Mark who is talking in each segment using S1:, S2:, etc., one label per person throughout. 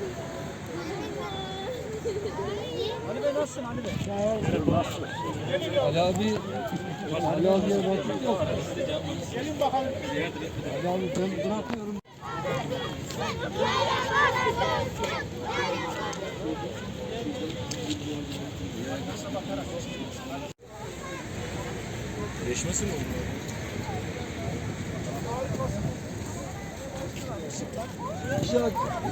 S1: Ali Bey nasılsın Ali Bey?
S2: Ali abi, Ali abiye vakit yok.
S1: Gelin bakalım.
S2: Ali abi ben bırakıyorum.
S3: Değişmesi mi oldu?
S2: İşaret.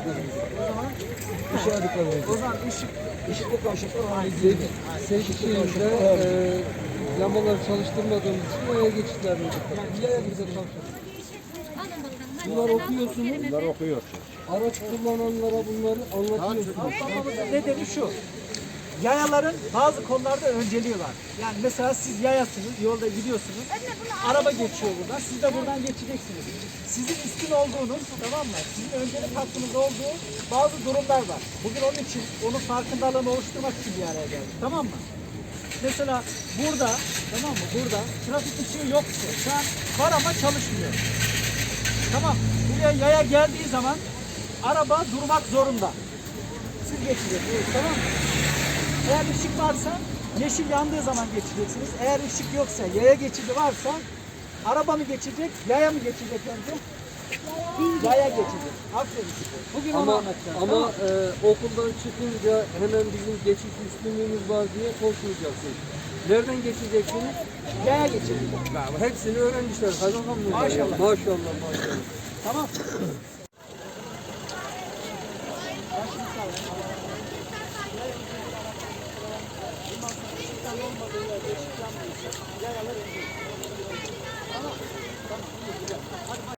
S2: İşaret var.
S1: O zaman ışıklı kavşaklar
S2: Seçtiğimizde lambaları çalıştırmadığımız için yaya geçitlerini yani yaya bize çalışıyor. Bunlar okuyorsunuz.
S3: Bunlar okuyor.
S2: Araç kullananlara bunları anlatıyorsunuz.
S1: Anlamamızın nedeni şu. Yayaların bazı konularda önceliği var. Yani mesela siz yayasınız, yolda gidiyorsunuz. Araba geçiyor buradan, siz de buradan geçeceksiniz. Sizin üstün olduğunuz, tamam mı? Sizin öncelik hakkınız olduğu bazı durumlar var. Bugün onun için, onun farkındalığını oluşturmak için bir araya geldik. Tamam mı? Mesela burada, tamam mı? Burada trafik ışığı yoksa, şu an var ama çalışmıyor. Tamam. Buraya yaya geldiği zaman araba durmak zorunda. Siz geçeceksiniz, tamam mı? Eğer ışık varsa yeşil yandığı zaman geçeceksiniz. Eğer ışık yoksa, yaya geçidi varsa araba mı geçecek, yaya mı geçecek önce? Yaya geçecek. Aferin size. Bugün onu anlatacağım.
S2: Ama
S1: tamam.
S2: okuldan çıkınca hemen bizim geçiş üstünlüğümüz var diye korkmayacaksınız. Nereden geçeceksiniz?
S1: Yaya geçecek.
S2: Hepsini öğrenmişler. Kaymakam mı?
S1: Maşallah.
S2: Maşallah, maşallah.
S1: Tamam.